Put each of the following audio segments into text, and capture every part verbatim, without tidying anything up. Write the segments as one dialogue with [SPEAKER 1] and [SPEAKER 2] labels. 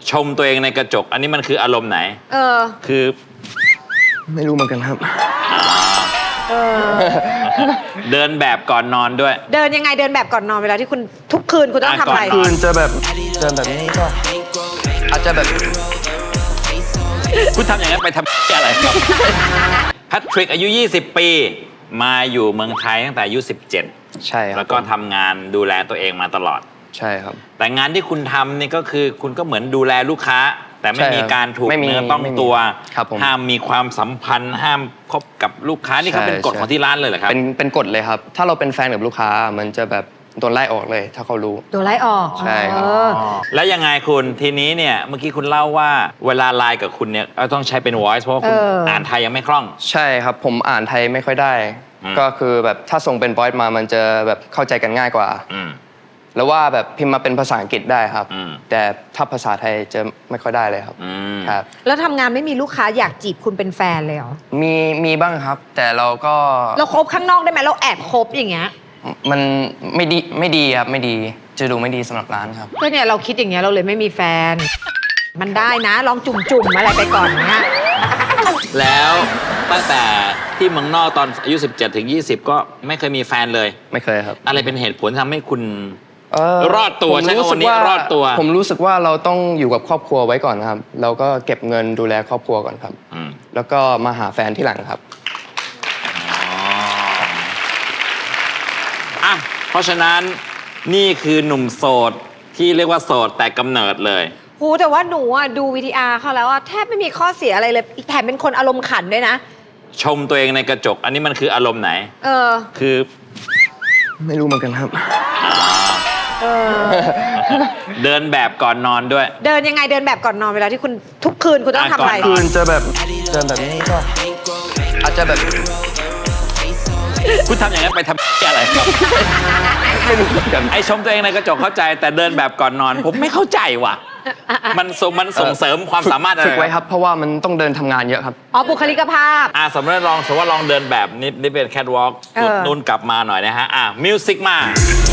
[SPEAKER 1] ชมตัวเองในกระจกอันนี้มันคืออารมณ์ไหนเออคือ
[SPEAKER 2] ไม่รู้เหมือนกันครับ
[SPEAKER 1] เออเดินแบบก่อนนอนด้วย
[SPEAKER 3] เดินยังไงเดินแบบก่อนนอนเวลาที่คุณทุกคืนคุณต้องทำอะไร
[SPEAKER 2] คืนจะแบบเดินแบบนี้ก็อาจจะแบบ
[SPEAKER 1] คุณทำอย่างนั้นไปทำอะไรครับแพทริกอายุยี่สิบปีมาอยู่เมืองไทยตั้งแต่อายุสิบเจ็ด
[SPEAKER 2] ใช่ครับ
[SPEAKER 1] แล้วก็ทำงานดูแลตัวเองมาตลอด
[SPEAKER 2] ใช่ครับ
[SPEAKER 1] แต่งานที่คุณทำนี่ก็คือคุณก็เหมือนดูแลลูกค้าแต่ไม่มีการถูกเนื้อต้องตัวห้ามมีความสัมพันธ์ห้ามคบกับลูกค้านี่เขาเป็นกฎของที่ร้านเลยเหรอครับ
[SPEAKER 2] เป็นเป็นกฎเลยครับถ้าเราเป็นแฟนกับลูกค้ามันจะแบบโดนไล่ออกเลยถ้าเขารู้
[SPEAKER 3] โดนไล่ออก
[SPEAKER 2] ใช่ครับ
[SPEAKER 1] แล้วยังไงคุณทีนี้เนี่ยเมื่อกี้คุณเล่าว่าเวลาไลน์กับคุณเนี่ยต้องใช้เป็น voice เพราะว่าคุณอ่านไทยยังไม่คล่อง
[SPEAKER 2] ใช่ครับผมอ่านไทยไม่ค่อยได้ก็คือแบบถ้าส่งเป็น voice มามันจะแบบเข้าใจกันง่ายกว่าแล้วว่าแบบพิมพ์มาเป็นภาษาอังกฤษได้ครับแต่ถ้าภาษาไทยจะไม่ค่อยได้เลยครับครับ
[SPEAKER 3] แล้วทำงานไม่มีลูกค้าอยากจีบคุณเป็นแฟนเลยเหรอ
[SPEAKER 2] มีมีบ้างครับ แต่เราก็
[SPEAKER 3] เราคบข้างนอกได้ไหมเราแอบคบอย่างเงี้ย
[SPEAKER 2] มันไม่ดีไม่ดีครับไม่ดีจะดูไม่ดีสำหรับร้านครับ
[SPEAKER 3] ก็เนี่ยเราคิดอย่างเงี้ยเราเลยไม่มีแฟนมันได้นะลองจุ่มๆอะไรไปก่อนเนี้ย
[SPEAKER 1] แล้วตั้งแต่ที่เมืองนอกตอนอายุสิบเจ็ดถึงยี่สิบก็ไม่เคยมีแฟนเลย
[SPEAKER 2] ไม่เคยครับ
[SPEAKER 1] อะไรเป็นเหตุผลทำให้คุณรอดตัวใช่ไหมวันนี้รอดตัว
[SPEAKER 2] ผมรู้สึกว่าเราต้องอยู่กับครอบครัวไว้ก่อนครับเราก็เก็บเงินดูแลครอบครัวก่อนครับแล้วก็มาหาแฟนที่หลังครับ
[SPEAKER 1] อ่ะเพราะฉะนั้นนี่คือหนุ่มโสดที่เรียกว่าโสดแต่กำเนิดเลย
[SPEAKER 3] โหแต่ว่าหนูอ่ะดูวีทีอาร์เขาแล้วอ่ะแทบไม่มีข้อเสียอะไรเลยแถมเป็นคนอารมณ์ขันด้วยนะ
[SPEAKER 1] ชมตัวเองในกระจกอันนี้มันคืออารมณ์ไหนเออคือ
[SPEAKER 2] ไม่รู้เหมือนกันครับ
[SPEAKER 3] เออ
[SPEAKER 1] เดินแบบก่อนนอนด้วย
[SPEAKER 3] เดินยังไงเดินแบบก่อนนอนเวลาที่คุณทุกคืนคุณต้องทำอะไร
[SPEAKER 2] คืนจะแบบเดินแบบนี้ก็อาจจะแบบ
[SPEAKER 1] คุณทำอย่างนั้นไปทำอะไรครับ
[SPEAKER 2] ไม่รู้เหมือนกัน
[SPEAKER 1] ไอชมตัวเองในกระจกเข้าใจแต่เดินแบบก่อนนอนผมไม่เข้าใจว่ะมันส่งมันส่งเสริมความสามารถอะไร
[SPEAKER 2] ฝึกไว้ครับเพราะว่ามันต้องเดินทำงานเยอะครับ
[SPEAKER 3] อ๋อบุคลิกภาพ
[SPEAKER 1] อ่าสมมติลองสมมติว่าลองเดินแบบนี่นี่เป็นแคทวอล์กสุดนุ่นกลับมาหน่อยนะฮะอ่ะมิวสิกมา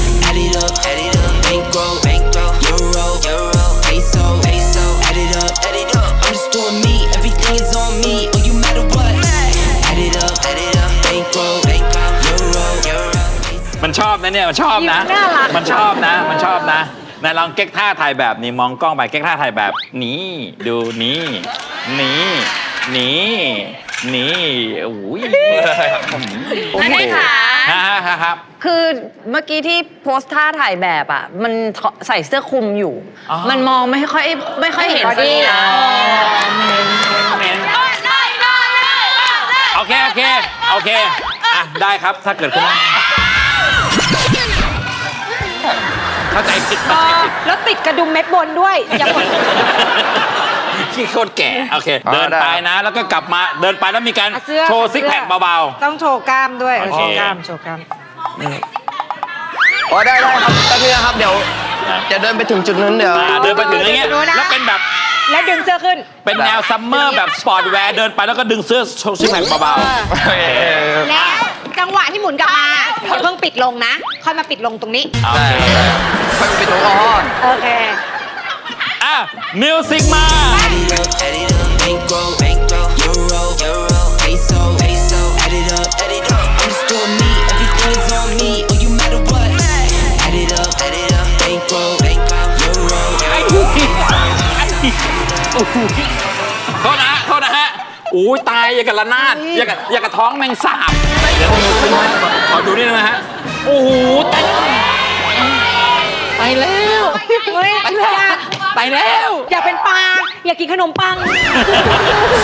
[SPEAKER 1] มันชอบนะเนี่ยมันชอบนะมันชอบนะมันชอบนะนายลองเก๊กท่าถ่ายแบบนี้มองกล้องไปเก๊กท่าถ่ายแบบนี้ดูนี้นี้นี้นี้โอ้ย
[SPEAKER 4] นั่นเองค่ะ
[SPEAKER 1] ฮะครับ
[SPEAKER 4] คือเมื่อกี้ที่โพสท่าถ่ายแบบอ่ะมันใส่เสื้อคลุมอยู่มันมองไม่ค่อยไม่ค่อยเห็นสินะ
[SPEAKER 1] โอเคโอเคโอเคอ่ะได้ครับถ้าเกิดคุณเข้าใจผิด
[SPEAKER 3] แล้วติดกระดุมเม็ดบนด้วยอย่าหมด
[SPEAKER 1] ขี้โคตรแก่โอเคเดินไปนะแล้วก็กลับมาเดินไปแล้วมีการโชว์ซิกแพคเบา
[SPEAKER 3] ๆต้องโชว์กล้ามด้วยโชว์กล้ามโชว์กล้าม
[SPEAKER 2] อ๋อได้ได้ครับแป๊บนึงนะครับเดี๋ยวจะเดินไปถึงจุดนั้นเดี๋ยว
[SPEAKER 1] เดินไปถึงอย่างเงี้ยแล้วเป็นแบบ
[SPEAKER 3] แล้วดึงเสื้อขึ้น
[SPEAKER 1] เป็นแนวซัมเมอร์แบบสปอร์ตแวร์เดินไปแล้วก็ดึงเสื้อโชว์ซิกแพคเบา
[SPEAKER 3] ๆแล้วจังหวะที่หมุนกลับมาเพิ่งปิดลงนะค่อยมาปิดลงตรงนี้
[SPEAKER 1] โอเค
[SPEAKER 2] ค่อยปิดลงอ๋อ
[SPEAKER 3] โอเค
[SPEAKER 1] อ่ะมิวสิกมาโทษนะโทษนะฮะอู้ตายอย่างกับระนาดอย่างกับอย่างกับท้องแมงสาบเดี๋ยวขอดูนี่นะฮะโอ้โหตายไปแล้วไปแล้วไปแล้ว
[SPEAKER 3] อยากเป็นปลาอยากกินขนมปัง